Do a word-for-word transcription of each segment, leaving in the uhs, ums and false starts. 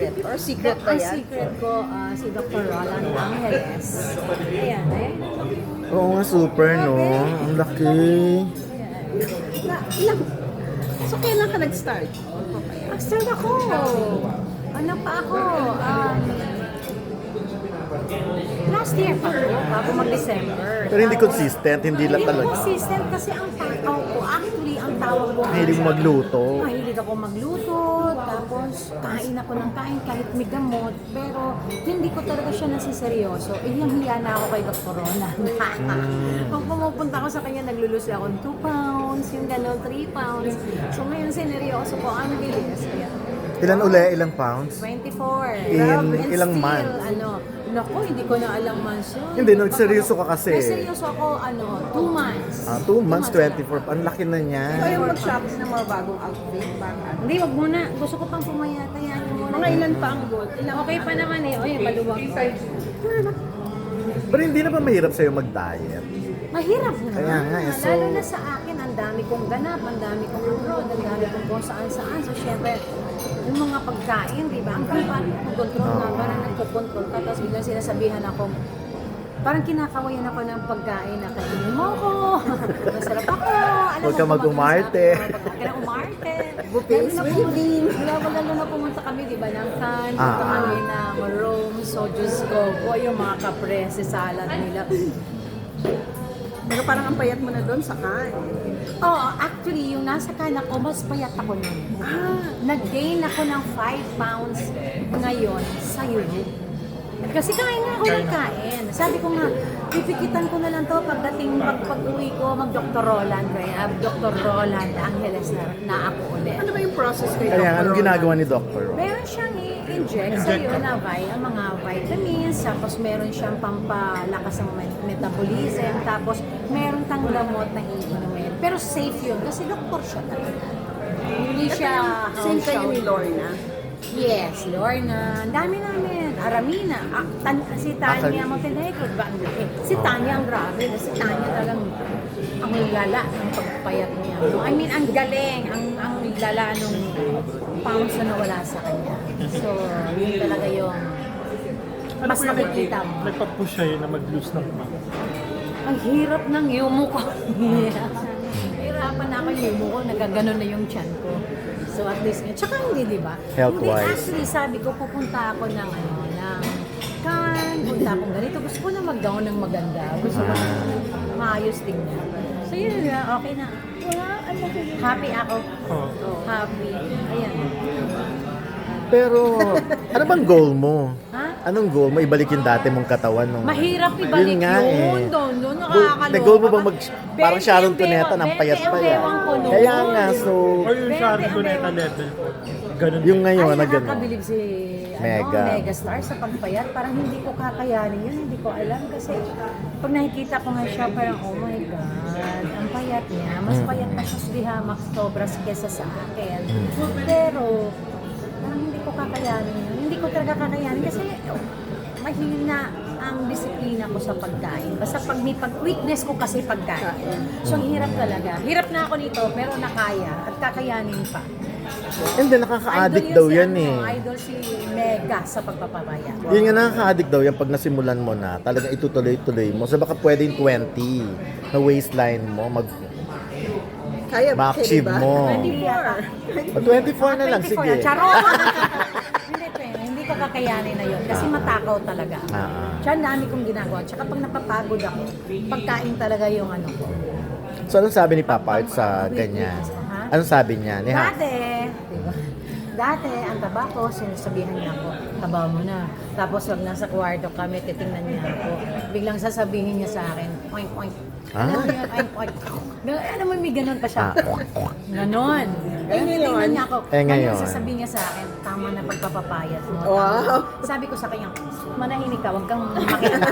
secret? Or secret ba Ang yan? secret ko, ah, si Doctor Roland Angeles. Ayan, ayan. Oo nga, super, no? Ang laki. Na, ilang? So, kailan ka nag-start? Nag-start ako. Ano pa ako? Um, last year pa ako, bago mag-December. Pero hindi consistent, hindi lang Hindi talaga. consistent kasi ang tao ko, actually, ang tawag ko. Mahilig magluto. Mahilig ako magluto, tapos kain ako ng kain kahit may gamot, pero hindi ko talaga siya nasiseryoso. Eh, yung hiya na ako kay Doctor Roland. Pag pumupunta ako sa kanya, naglulusi ako ng two pounds, yung gano'n, three pounds. So ngayon, sineryoso ko, ang bilis. Kaya, Ilan uli? Ilang pounds? twenty-four. In And ilang still, months? Ano, naku, hindi ko na alam months yun. Hindi, nagseryoso ka kasi. Nagseryoso ako, ano, two months. Ah, two months, lang. twenty-four. Ang laki na niya. Ikaw yung mag-shopping ng mga bagong outfit. Baka. Hindi, wag muna. Gusto ko pang pumayata yan. Mga ilan pa ang goal? Ilang Okay pa naman eh. Oy, maluwag. Pero hindi na ba mahirap sa'yo mag-diet? Mahirap na. Kaya nga eh, so- Lalo na sa akin, ang dami kong ganap, ang dami kong abroad, ang dami kong kung saan-saan. So, syempre, yung mga pagkain, di ba? Ang paano ko control na, Oo. parang nagko-control ka, tapos biglang sinasabihan ako, parang kinakawayan ako ng pagkain na kainin mo ko. Masarap ako. Alam Huwag mo, ka gumagana mag-umarte. sa- Huwag ka na umarte. Buffet Lalo na with pumunta- Dean. Lalo lalo na pumunta kami, di ba, ng Cannes, Ah. punta kami ng Rome, so Diyos ko, boy, yung mga kaprese salad nila. Pero parang ang payat mo na doon sa kain. Oo, actually, yung nasa Cannes ako, mas payat ako nun. Ah, Nag-gain ako ng five pounds ngayon sa Europe. Kasi kain nga ako ng kain. Sabi ko nga, pipikitan ko na lang to pagdating pag pag-uwi ko, mag-Doctor Roland. Kaya Doctor Roland Angeles na, na ako ulit. ano ba yung process kay Kaya Doctor anong Roland? ginagawa ni Doctor Ron? Meron siyang i-inject sa iyo na vi- ang mga vitamins, tapos meron siyang pampalakas ng met- metabolism, tapos meron tang gamot na iinumin. Pero safe yun kasi doktor siya talaga. Hindi siya Same kayo ni house Lorna. Yes, Lorna. Ang dami namin. Aramina. Ah, tan- si Tanya Ah, Montenegro. Ba, ang laki. Si Tanya ang grabe. Si Tanya talagang ang lala ng pagpayat niya. No, I mean, ang galing. Ang, ang lala nung pounds na nawala sa kanya. So, yun talaga yung Ano mas po yung nakikita mo. nagpa-push siya na mag-lose ng weight? Ang hirap ng yumo ko. Hirapan na ako yung yumo ko. Nagaganon na yung chan ko. So at least, tsaka hindi, di ba? Hindi, Health-wise. actually, sabi ko, pupunta ako ng, ano, ng Cannes, punta akong ganito. Gusto ko na mag-gown ng maganda. Gusto ko na maayos tingnan. So yun na, okay na. Wala, ano, happy ako. Oo. Happy. Ayan. Pero, ano bang goal mo? Ha? Anong goal mo? Ibalik yung dati mong katawan nung... Mahirap ibalik Yun yun. nga eh. Doon, doon, Goal- nakakaloka. may goal mo bang mag... Bente Parang Sharon ang Cuneta, bewang- ng payat bente pa ang yan. bewang ko noon. Kaya nga, so... Or yung Pwede, Sharon ang Cuneta meron. level po. Ganun. Yung ngayon, Ay, na gano'n. nakakabilib si Mega. Ano, Megastar sa pagpayat. Parang hindi ko kakayanin yun. Hindi ko alam kasi pag nakikita ko nga siya, parang oh my God, ang payat niya. Mas Mm. payat na siya sa Dihamak Sobras kesa sa akin. Mm. Pero parang hindi ko kakayanin yun. Hindi ko talaga kakayanin kasi oh, mahina ang disiplina ko sa pagkain. Basta pag may pag-weakness ko kasi pagkain. So, ang hirap talaga. Hirap na ako nito, pero nakaya at kakayanin pa. And then, nakaka-addict daw si yan ano, eh. Idol si Mega sa pagpapabaya. Yun nga, nakaka-addict daw yan pag nasimulan mo na. Talagang itutuloy-tuloy mo. So, baka pwedeng twenty na waistline mo, mag Kaya ba? ma-achieve Kaya ba? mo. twenty-four. O, twenty-four na lang, twenty-four sige. na. Charot! hindi, twenty. Hindi ko kakayanin na yun. Kasi matakaw talaga. Ah, ah. Tsaka ang dami kong ginagawa. Tsaka pag napapagod ako, pagkain talaga yung ano ko. So, anong sabi ni Papa Art sa ganyan? Ha? Anong sabi niya? Ni ha? Dati, diba? Dati, ang taba ko, sinasabihan niya ako, taba mo na. Tapos pag nasa kwarto kami, titingnan niya ako. Biglang sasabihin niya sa akin, oink, oink. Ah? Alam mo yun, oink, oink. Gan- Alam mo, may ganun pa siya. Ah. Ganon. Eh, ngayon? Titingnan niya ako. Eh, ngayon? Ngayon, sasabihin niya sa akin, tama na pagpapapayat mo. Tama. Wow. Sabi ko sa kanya, manahimik ka, huwag kang makialam.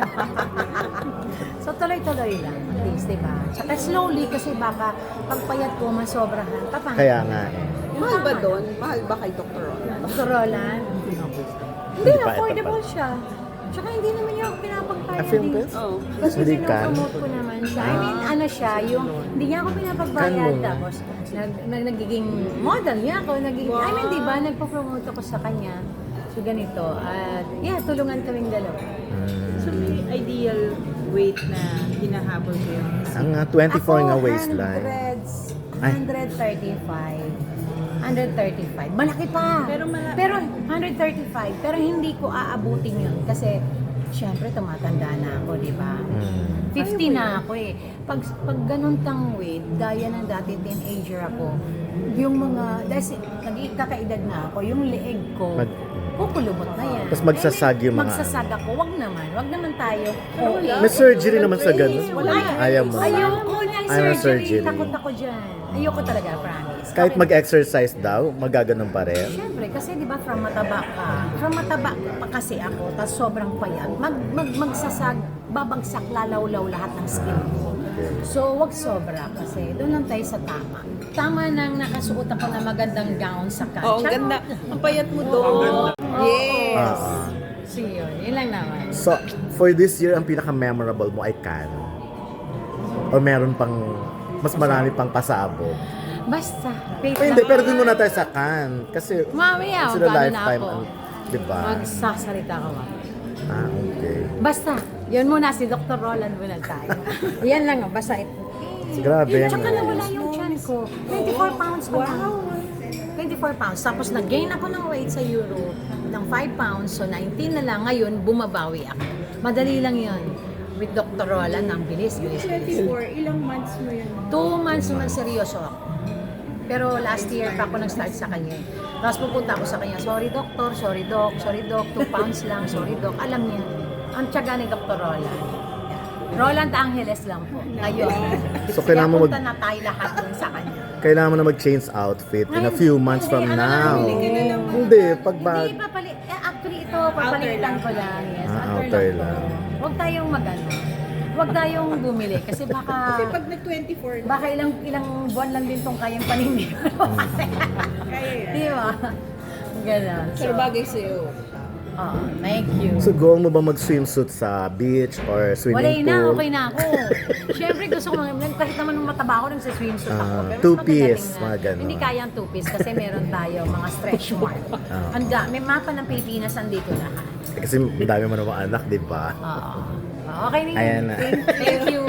So tuloy-tuloy lang, at least, diba? Tsaka slowly, kasi baka pagpayat ko, masobrahan, papangit. Kaya nga eh. Mahal ba doon? Mahal ba kay Doctor Roland? Doctor Roland? Hindi, Hindi pa, affordable ito siya. Tsaka hindi naman niya ako pinapagbayad. Ah, film eh. fest? Oh. Kasi Hindi ka? pinopromote ko naman siya. I mean, ano siya, yung hindi niya ako pinapagbayad. Kan mo. Tapos, nag, nag, nagiging model niya ako. Nagiging, I mean, di ba, nagpo-promote ako sa kanya. So, ganito. At, yeah, tulungan kaming dalawa. So may ideal weight na hinahabol ko yun. Ang ah, twenty-four nga Ako, waistline. hundreds, Ay. one thirty-five. one thirty-five. Malaki pa. Pero mala- Pero one thirty-five. Pero hindi ko aabutin yun. Kasi, syempre, tumatanda na ako, di ba? Mm. fifty na ako eh. Pag, pag ganun kang weight, gaya ng dati teenager ako, yung mga, dahil nagkakaedad na ako, yung leeg ko, Mag- kukulubot na yan. Tapos magsasag yung mga- Magsasag ako. Wag naman. Wag naman tayo. Okay. May surgery naman sa ganun. Wala. Ayaw mo. Ayoko ng Ayaw ng surgery. surgery. Takot ako dyan. Ayoko talaga, promise. Kahit Okay. mag-exercise daw, magaganon pa rin. Siyempre, kasi di ba from mataba ka, from mataba pa kasi ako, tapos sobrang payat, mag, mag, magsasag, babagsak, lalaw-law lahat ng skin ko. So, wag sobra kasi doon lang tayo sa tama. Tama nang nakasuot ako na magandang gown sa kanya. Oo, ang ganda. Ang payat mo doon. Yes. Ah. So, yun. Yun lang naman. So, for this year, ang pinaka-memorable mo ay Cannes? O meron pang, mas marami pang pasabog? Basta. Wait Ay, hindi, lang. pero dun muna tayo sa Cannes. Kasi, Mamaya, sila paano na lifetime, ako? ang- di ba? Magsasalita ka ba? Ah, okay. Basta, yun muna, si Doctor Roland muna tayo. Yan lang, oh, basta ito. Grabe. Tsaka no? nawala yung chan ko. twenty-four pounds pa lang. twenty-four pounds. Tapos nag-gain ako ng weight sa Euro ng five pounds. So nineteen na lang. Ngayon, bumabawi ako. Madali lang yun. With Doctor Roland, ang bilis, bilis, bilis. twenty-four, ilang months mo yun? Two months naman seryoso ako. Pero last year pa ako nag-start sa kanya. eh. Tapos pupunta ako sa kanya, sorry doctor, sorry doc, sorry doc, two pounds lang, sorry doc. Alam niya, ang tiyaga ni Doctor Roland. Roland Angeles lang po. Ngayon. So, kailangan mo Kaya mag- punta na tayo lahat dun sa kanya. Kailangan mo na mag-change outfit in a few months from Hindi, ano now. lang, bili ka na lang. Hindi, pag bag... Hindi, papalit. Eh, actually, ito, papalitan ko lang. Yes, Ah, outer, outer lang. lang. to. Huwag tayong magano. Huwag tayong bumili. Kasi baka... Kasi pag nag-twenty-four na, Baka ilang ilang buwan lang din tong kayang panindi. kaya yan. Di ba? Ganon. Pero bagay sa'yo. Oo, thank you. So, go mo ba mag-swimsuit sa beach or Wala swimming na, pool? okay na ako. Siyempre gusto ko mga, kahit naman nung mataba ako, nagsiswimsuit ako. Ah, Pero mas two-piece, magagaling na. mga ganon. Hindi kaya ang two-piece kasi meron tayo mga stretch mark. Ah. Ang da, may mapa ng Pilipinas, andito lahat. Eh, Kasi ang dami mo namang anak, di ba? Oo. Okay na yun. Ayan na. Thank you.